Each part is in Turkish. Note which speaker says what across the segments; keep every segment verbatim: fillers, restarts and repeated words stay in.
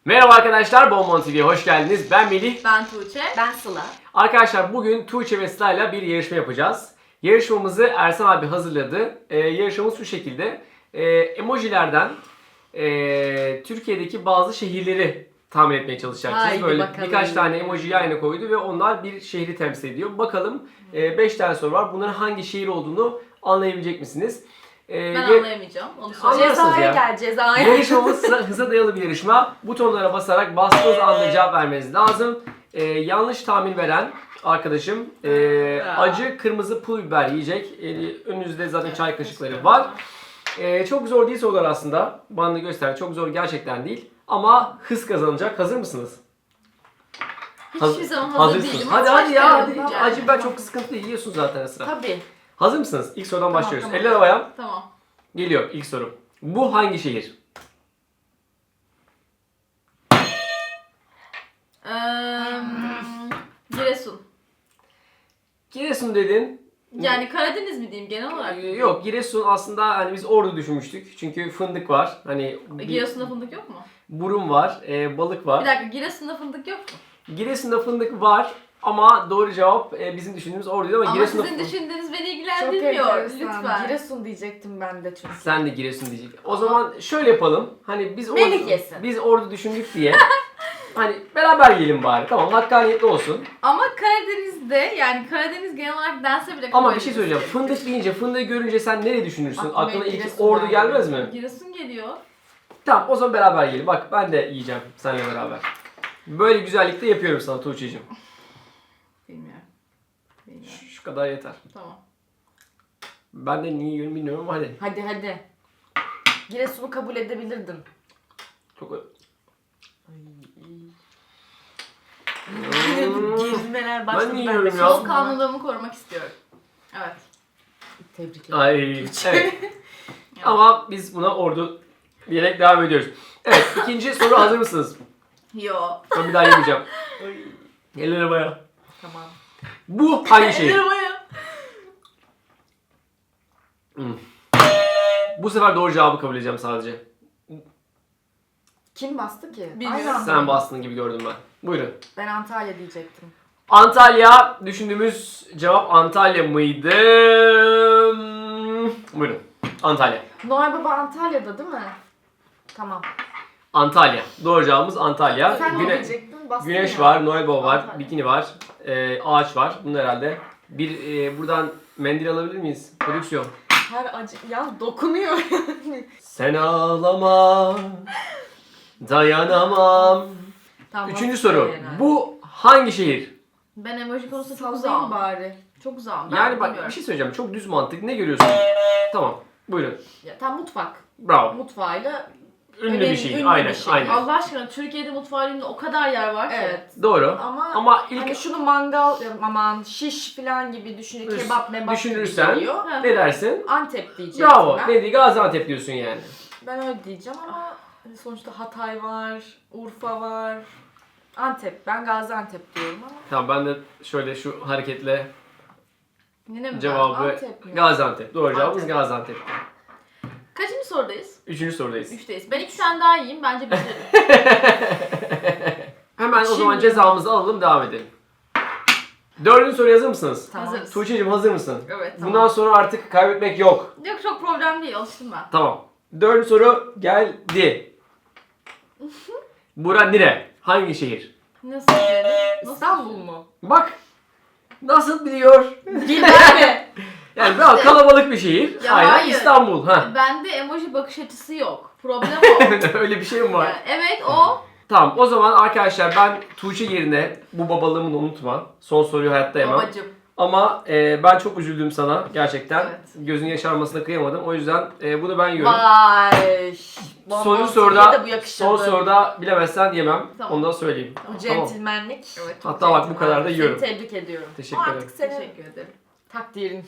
Speaker 1: Merhaba arkadaşlar, Bonbon T V'ye hoş geldiniz. Ben Melih.
Speaker 2: Ben Tuğçe.
Speaker 3: Ben Sıla.
Speaker 1: Arkadaşlar bugün Tuğçe ve Sıla ile bir yarışma yapacağız. Yarışmamızı Ersan abi hazırladı. Ee, yarışmamız şu şekilde. Ee, emojilerden e, Türkiye'deki bazı şehirleri tahmin etmeye çalışacaksınız.
Speaker 3: Haydi
Speaker 1: Böyle
Speaker 3: bakalım.
Speaker 1: birkaç tane emoji yan yana koydu ve onlar bir şehri temsil ediyor. Bakalım beş tane soru var. Bunların hangi şehir olduğunu anlayabilecek misiniz? Ee,
Speaker 2: Ben
Speaker 1: ve-
Speaker 2: anlayamayacağım. Onu söyleyeyim.
Speaker 1: Anlarsınız
Speaker 3: Cezaya
Speaker 1: ya.
Speaker 3: gel cezaya.
Speaker 1: Yarışmamız sıra- hıza dayalı bir yarışma. Butonlara basarak bastığınız anda cevap vermeniz lazım. Ee, yanlış tahmin veren arkadaşım e, acı kırmızı pul biber yiyecek. Ee, önünüzde zaten çay kaşıkları var. Ee, çok zor değil sorular aslında. Bana da göster. Çok zor gerçekten değil. Ama hız kazanacak. Hazır mısınız?
Speaker 2: Hiçbir zaman hazır
Speaker 1: Hazırsınız.
Speaker 2: değilim.
Speaker 1: Hadi
Speaker 2: Kaç
Speaker 1: hadi ya.
Speaker 2: kere
Speaker 1: Hadi.
Speaker 2: yapacağım?
Speaker 1: Acı biber çok sıkıntı değil. Yiyorsun zaten sıra.
Speaker 3: Tabii.
Speaker 1: Hazır mısınız? İlk sorudan
Speaker 3: Tamam,
Speaker 1: başlıyoruz.
Speaker 3: tamam.
Speaker 1: Eller havaya.
Speaker 2: Tamam.
Speaker 1: Geliyor ilk soru. Bu hangi şehir?
Speaker 2: Ee, Giresun.
Speaker 1: Giresun dedin.
Speaker 2: Yani Karadeniz mi diyeyim genel olarak?
Speaker 1: Ee, Yok, Giresun aslında hani biz Ordu düşünmüştük. Çünkü fındık var. Hani bir
Speaker 2: Giresun'da fındık yok mu?
Speaker 1: burun var, e, balık
Speaker 2: Bir
Speaker 1: var.
Speaker 2: dakika, Giresun'da fındık yok mu?
Speaker 1: Giresun'da fındık var ama doğru cevap e, bizim düşündüğümüz Ordu'ydu ama,
Speaker 2: Ama
Speaker 1: Giresun'da
Speaker 2: sizin
Speaker 1: fın-
Speaker 2: düşündüğünüz beni
Speaker 3: Çok
Speaker 2: ilgilendirmiyor.
Speaker 3: enteresan.
Speaker 2: Lütfen.
Speaker 3: Giresun diyecektim ben de çünkü.
Speaker 1: Sen de Giresun diyecek. O zaman şöyle yapalım. Hani biz
Speaker 3: Melih
Speaker 1: Ordu,
Speaker 3: yesin.
Speaker 1: biz Ordu düşündük diye. Hani beraber yiyelim bari. Tamam, hakkaniyetli olsun.
Speaker 2: Ama Karadeniz'de, yani Karadeniz genel olarak dense bile
Speaker 1: Ama
Speaker 2: kabul
Speaker 1: bir şey
Speaker 2: edilir.
Speaker 1: söyleyeceğim. Fındık deyince, fındığı görünce sen nereye düşünürsün?
Speaker 3: Aklıma
Speaker 1: Aklına ilk
Speaker 3: Giresun
Speaker 1: Ordu
Speaker 3: geldi.
Speaker 1: gelmez mi?
Speaker 2: Giresun geliyor.
Speaker 1: Tamam, o zaman beraber yiyelim. Bak, ben de yiyeceğim seninle beraber. Böyle güzellikte yapıyorum sana Tuğçe'cim.
Speaker 2: Bilmiyorum. Bilmiyorum.
Speaker 1: Şu, şu kadar yeter.
Speaker 2: Tamam.
Speaker 1: Ben de niye yiyorum bilmiyorum ama hadi.
Speaker 3: Hadi hadi. Giresun'u kabul edebilirdim.
Speaker 1: Çok...
Speaker 3: Gezmeler başladı.
Speaker 1: Ben yiyorum ya.
Speaker 2: Soğukkanlılığımı korumak istiyorum. Evet.
Speaker 3: Tebrik ederim.
Speaker 1: Ay, evet. Ama biz buna Ordu diyerek devam ediyoruz. Evet, ikinci soru hazır mısınız?
Speaker 2: Yo.
Speaker 1: Ben bir daha yemeyeceğim. Eller havaya.
Speaker 3: Tamam.
Speaker 1: Bu hangi şehir?
Speaker 2: Ellerim ayağı.
Speaker 1: Hmm. Bu sefer doğru cevabı kabul edeceğim sadece.
Speaker 3: Kim bastı ki?
Speaker 2: Bilmiyorum.
Speaker 3: Aynı anda
Speaker 1: Sen
Speaker 3: mı?
Speaker 1: bastın gibi gördüm ben. Buyurun.
Speaker 3: Ben Antalya diyecektim.
Speaker 1: Antalya, düşündüğümüz cevap Antalya mıydı? Hmm. Buyurun. Antalya.
Speaker 3: Noel Baba Antalya'da değil mi? Tamam.
Speaker 1: Antalya. Doğru cevabımız Antalya.
Speaker 3: Sen ne
Speaker 1: Güne-
Speaker 3: diyecektin? Bastın
Speaker 1: Güneş
Speaker 3: ya.
Speaker 1: var, Noel Baba var,
Speaker 3: Antalya.
Speaker 1: bikini var, e, ağaç var. Bunlar herhalde. Bir e, buradan mendil alabilir miyiz? Prodüksiyon.
Speaker 3: Her acı... Ya dokunuyor.
Speaker 1: Sen ağlama, dayanamam.
Speaker 3: Tamam,
Speaker 1: Üçüncü
Speaker 3: bastın
Speaker 1: soru.
Speaker 3: herhalde.
Speaker 1: Bu hangi şehir?
Speaker 2: Ben emoji konusunda çok
Speaker 3: Sallayayım
Speaker 2: uzağım.
Speaker 3: bari.
Speaker 2: Çok uzağım. Ben
Speaker 1: Yani bak,
Speaker 2: bilmiyorum.
Speaker 1: bir şey söyleyeceğim. Çok düz mantık. Ne görüyorsun? Tamam. Buyurun.
Speaker 3: Ya, tam mutfak.
Speaker 1: Bravo.
Speaker 3: Mutfağıyla
Speaker 1: Ünlü
Speaker 3: önemli-
Speaker 1: bir şehir.
Speaker 3: ünlü
Speaker 1: Aynen,
Speaker 3: bir şehir.
Speaker 1: aynen.
Speaker 2: Allah aşkına Türkiye'de mutfağı ünlü o kadar yer var ki.
Speaker 3: evet.
Speaker 1: Doğru.
Speaker 3: Ama,
Speaker 1: Ama ilk
Speaker 3: hani şunu mangal, aman şiş falan gibi düşünün,
Speaker 1: Üst-
Speaker 3: kebap mebap
Speaker 1: düşünürsen-
Speaker 3: gibi geliyor.
Speaker 1: ne dersin?
Speaker 3: Antep diyecektim
Speaker 1: Bravo.
Speaker 3: ben.
Speaker 1: Ne diye Gaziantep diyorsun yani.
Speaker 3: Ben öyle diyeceğim ama hani sonuçta Hatay var, Urfa var. Antep. Ben Gaziantep diyorum ama.
Speaker 1: Tamam, ben de şöyle şu hareketle
Speaker 2: Yine mi
Speaker 1: cevabı
Speaker 3: Antep mi?
Speaker 1: Gaziantep. Doğru cevabımız
Speaker 3: Antep.
Speaker 1: Gaziantep.
Speaker 2: ben? Kaçıncı sorudayız?
Speaker 1: Üçüncü sorudayız.
Speaker 2: Üçteyiz. Ben iki tane daha yiyeyim. Bence bitiririm.
Speaker 1: Hemen o zaman
Speaker 3: Şimdi-
Speaker 1: cezamızı alalım, devam edelim. Dördüncü soruya hazır mısınız?
Speaker 3: Tamam.
Speaker 2: Hazırız.
Speaker 1: Tuğçe'cim hazır mısın?
Speaker 2: Evet, tamam.
Speaker 1: Bundan sonra artık kaybetmek yok.
Speaker 2: Yok, çok problem değil. Alıştım ben.
Speaker 1: Tamam. Dördüncü soru geldi. Bura nere? Hangi şehir?
Speaker 2: Nasıl yani? Nasıl?
Speaker 3: İstanbul mu?
Speaker 1: Bak. Nasıl biliyor?
Speaker 3: Bilmem mi?
Speaker 1: Yani daha kalabalık bir şehir.
Speaker 2: Ya
Speaker 1: Aynen,
Speaker 2: hayır.
Speaker 1: İstanbul. Ha.
Speaker 2: Bende emoji bakış açısı yok. Problem o.
Speaker 1: Öyle bir şey mi var?
Speaker 2: Yani evet o.
Speaker 1: Tamam, o zaman arkadaşlar ben Tuğçe yerine bu babalığımı unutma. Son soruyu hayatta yemem.
Speaker 2: Babacım.
Speaker 1: Ama e, ben çok üzüldüm sana gerçekten.
Speaker 2: Evet.
Speaker 1: Gözün yaşarmasına kıyamadım. O yüzden e, bunu ben yiyorum.
Speaker 3: Vay.
Speaker 1: Sonuncu
Speaker 3: Bonbon
Speaker 1: soruda,
Speaker 3: T V'ye de bu yakışırdı.
Speaker 1: son soruda bilemezsen yemem.
Speaker 2: Tamam.
Speaker 1: Onu da söyleyeyim.
Speaker 3: Bu
Speaker 1: Tamam.
Speaker 3: centilmenlik.
Speaker 2: Evet. çok
Speaker 1: Hatta bak bu kadar da
Speaker 3: Seni
Speaker 1: yiyorum.
Speaker 3: tebrik ediyorum.
Speaker 1: Teşekkür
Speaker 3: Artık
Speaker 1: ederim.
Speaker 3: senin
Speaker 2: Teşekkür ederim.
Speaker 3: takdirin.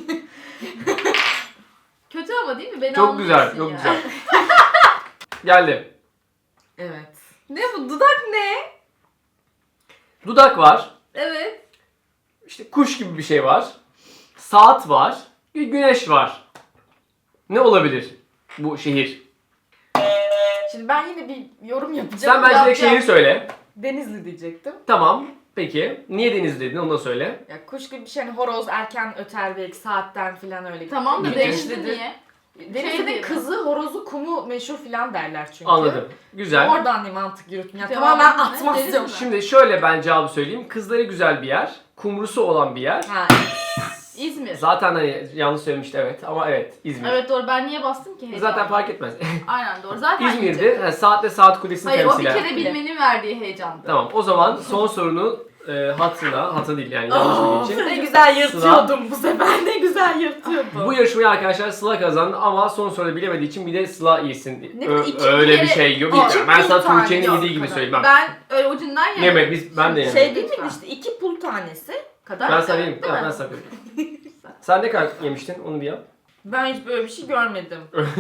Speaker 2: Kötü ama değil mi? Beni
Speaker 1: Çok güzel,
Speaker 2: anlıyorsun
Speaker 1: çok
Speaker 2: ya.
Speaker 1: güzel. Geldi.
Speaker 3: Evet.
Speaker 2: Ne bu? Dudak ne?
Speaker 1: Dudak var.
Speaker 2: Evet.
Speaker 1: İşte kuş gibi bir şey var. Saat var. Bir güneş var. Ne olabilir bu şehir?
Speaker 3: Şimdi ben yine bir yorum yapacağım.
Speaker 1: Sen bence direkt
Speaker 3: Yapacağım.
Speaker 1: şehri söyle.
Speaker 3: Denizli diyecektim.
Speaker 1: Tamam. Peki. Niye Denizli dedin onu da söyle.
Speaker 3: Ya kuş gibi bir şey hani horoz erken öter belki saatten falan öyle.
Speaker 2: Tamam da
Speaker 1: Güneşlidir.
Speaker 2: Denizli niye?
Speaker 3: Denizli'nin
Speaker 2: Şey
Speaker 3: kızı horozu kumu meşhur falan derler çünkü.
Speaker 1: Anladım. Güzel.
Speaker 3: Oradan bir mantık yürüttüm. Yani
Speaker 2: Cevabın
Speaker 3: tamamen
Speaker 2: ne?
Speaker 3: atmazdım.
Speaker 2: Denizli mi?
Speaker 1: Şimdi şöyle ben cevabı söyleyeyim. Kızları güzel bir yer. Kumrusu olan bir yer.
Speaker 3: Ha,
Speaker 2: İzmir.
Speaker 1: Zaten hani yanlış söylemişti evet ama evet İzmir.
Speaker 2: Evet doğru, ben niye bastım ki? heyecanla?
Speaker 1: Zaten fark etmez.
Speaker 2: Aynen doğru. Zaten
Speaker 1: İzmir'de
Speaker 2: yiyecek.
Speaker 1: yani saatle saat kulesini
Speaker 2: Hayır o bir
Speaker 1: temsilen.
Speaker 2: kere bilmenin verdiği heyecandı.
Speaker 1: Tamam o zaman son sorunu e, hatırla. Hatırla değil yani yanlış
Speaker 3: oh,
Speaker 1: bildiğin için.
Speaker 3: ne güzel yırtıyordum bu sefer. Ne güzel yırtıyordum.
Speaker 1: Bu yarışmayı arkadaşlar Sıla kazandı ama son soruda bilemediği için bir de Sıla iyisin.
Speaker 3: Ne
Speaker 1: Ö-
Speaker 3: iki
Speaker 1: öyle
Speaker 2: kere-
Speaker 1: bir şey yok.
Speaker 3: İki
Speaker 1: Yani ben sana
Speaker 3: pul tane
Speaker 1: Tuğçe'nin
Speaker 3: yok
Speaker 1: yediği gibi
Speaker 3: kadar.
Speaker 1: söyleyeyim. Ben,
Speaker 2: Ben öyle ucundan yedim.
Speaker 1: yemedim. Biz, ben de yemedim.
Speaker 3: Şey değil miydi işte iki pul tanesi kadar.
Speaker 1: ben sana yedim.
Speaker 2: Değil
Speaker 1: Tamam,
Speaker 2: mi?
Speaker 1: ben sana yedim. Sen ne kadar yemiştin? Onu bir yap.
Speaker 3: Ben hiç böyle bir şey görmedim.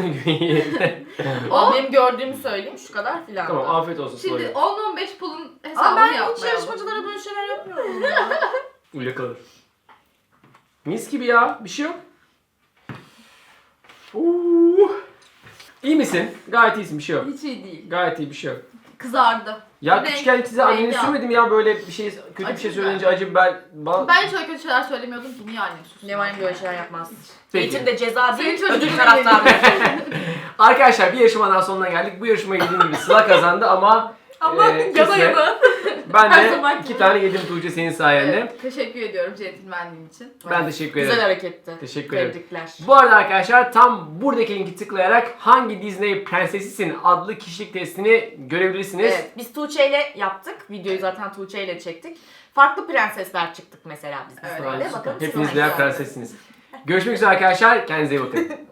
Speaker 2: O-
Speaker 3: Ama benim gördüğümü söyleyeyim şu kadar filan.
Speaker 1: Tamam afiyet olsun
Speaker 2: Şimdi
Speaker 1: Sıla'ya.
Speaker 2: on on beş pulun
Speaker 3: Ama
Speaker 2: hesabını
Speaker 3: ben hiç
Speaker 2: yapmayalım.
Speaker 3: yarışmacılara böyle şeyler yapmıyorum ya.
Speaker 1: Uyla kalır. Mis gibi ya. Bir şey yok. Uh. İyi misin? Gayet iyisin. Bir şey yok.
Speaker 2: Hiç iyi değil.
Speaker 1: Gayet iyi bir şey yok.
Speaker 2: Kızardı.
Speaker 1: Ya
Speaker 2: Renk-
Speaker 1: küçükken size anneni
Speaker 2: rengi
Speaker 1: sürmedim ya böyle bir şey kötü bir
Speaker 2: Acı
Speaker 1: şey
Speaker 2: biber.
Speaker 1: söyleyince acı biber. Bana...
Speaker 2: Ben hiç öyle kötü şeyler söylemiyordum ki, niye annem susun?
Speaker 3: Neval'im böyle şeyler yapmaz.
Speaker 1: Peki.
Speaker 3: Eğitim de ceza
Speaker 2: Senin
Speaker 3: değil,
Speaker 2: çocuğun
Speaker 3: ödül
Speaker 2: değil.
Speaker 3: taraftarı.
Speaker 1: Arkadaşlar bir yarışmadan sonuna geldik. Bu yarışmayı dediğim gibi Sıla kazandı ama
Speaker 3: Ama
Speaker 1: e,
Speaker 3: yana
Speaker 1: kısmet.
Speaker 3: yana.
Speaker 1: Ben
Speaker 3: Her
Speaker 1: de
Speaker 3: zamanki
Speaker 1: iki
Speaker 3: gibi.
Speaker 1: tane yedim Tuğçe senin sayende.
Speaker 2: Evet, teşekkür ediyorum centilmenliğin için.
Speaker 1: Ben teşekkür ederim.
Speaker 3: Güzel hareketti.
Speaker 1: Teşekkür ederim.
Speaker 3: Tebrikler.
Speaker 1: Bu arada arkadaşlar tam buradaki linki tıklayarak hangi Disney prensesisin adlı kişilik testini görebilirsiniz.
Speaker 3: Evet, biz Tuğçe ile yaptık. Videoyu zaten Tuğçe ile çektik. Farklı prensesler çıktık mesela biz.
Speaker 2: Evet,
Speaker 3: böyle.
Speaker 1: Süper.
Speaker 3: Bakalım
Speaker 1: Hepiniz
Speaker 3: siz
Speaker 1: birer
Speaker 3: hangisi?
Speaker 1: prensessiniz. Görüşmek üzere arkadaşlar. Kendinize iyi bakın.